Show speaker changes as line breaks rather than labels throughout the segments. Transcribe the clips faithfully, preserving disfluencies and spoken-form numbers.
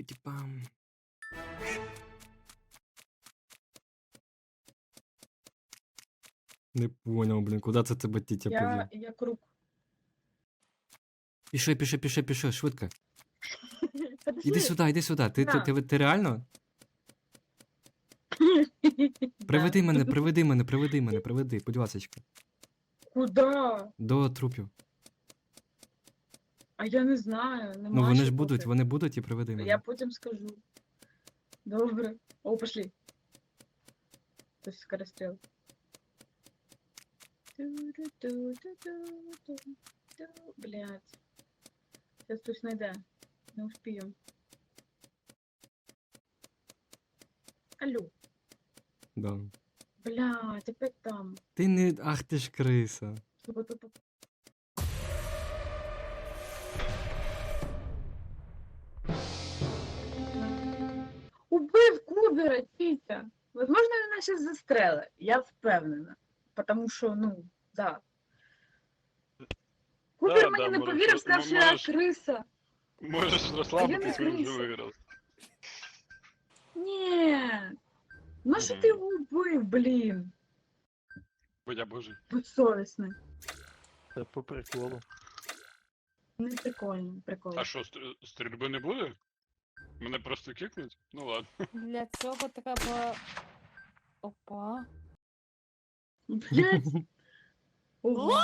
Чіпаті-пам. Не понял, блін, куди це тебе тітя
Я,
повів?
я круг.
Піши, піши, піши, піши, швидко.
Подожди.
Іди сюди, іди сюди. Ти, ти,
На.
ти, ти реально? Приведи
Да.
мене, приведи мене, приведи мене, приведи, будь ласочка.
Куда?
До трупів.
А я не знаю.
Ну
Нема
вони
ще
ж будуть,
поки.
вони будуть і приведи мене.
Я потім скажу. Добре. О, пошли. То есть скорострел. Блять. Сейчас хтось найде. Не успію. Алло.
Да.
Блять, опять там.
Ти не. Ах ти ж криса.
Убив Кубера, Тітя. Возможно, він нас зараз застрелить. Я впевнена. Потому що, ну, да. Кубер
Да,
мені
да,
не
можеш-
повірив, сказав, що я
можеш-
криса.
Можеш
не
розслабитись, він вже
криса.
виграв.
Ні. Ну що
Мгм.
ти його убив, блін?
Будь я божий.
Безсовісний.
Це по приколу.
Не прикольно, прикольно.
А що, стр- стрільби не буде? Мене просто кикнуть? Ну ладно.
Для цього треба. Опа.
Блять. Ого.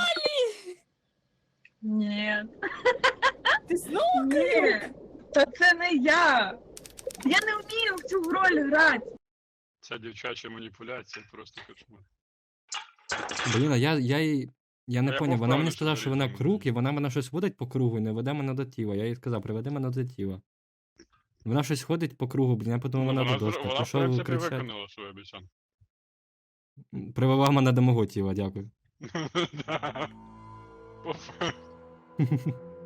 Ні.
Ти знову?
Ні. Та це не я. Я не вмію в цю роль грати.
Ця дівчача маніпуляція просто кошмар.
Блін, а я, я їй. Я не
я
поняв,
був
вона мені
впевнений,
сказала,
що
що вона
зарізала
круг,
мене.
і вона мене щось водить по кругу і не веде мене до тіла. Я їй сказав, приведи мене до тіла. Вона щось ходить по кругу, блін, я подумав,
Ну,
вона
вона,
до
зр-
доски.
вона, в
Пішов
принципі,
кричати.
виконала свою обіцянку.
Привела мене до мого тіла, дякую.
Да. По факту.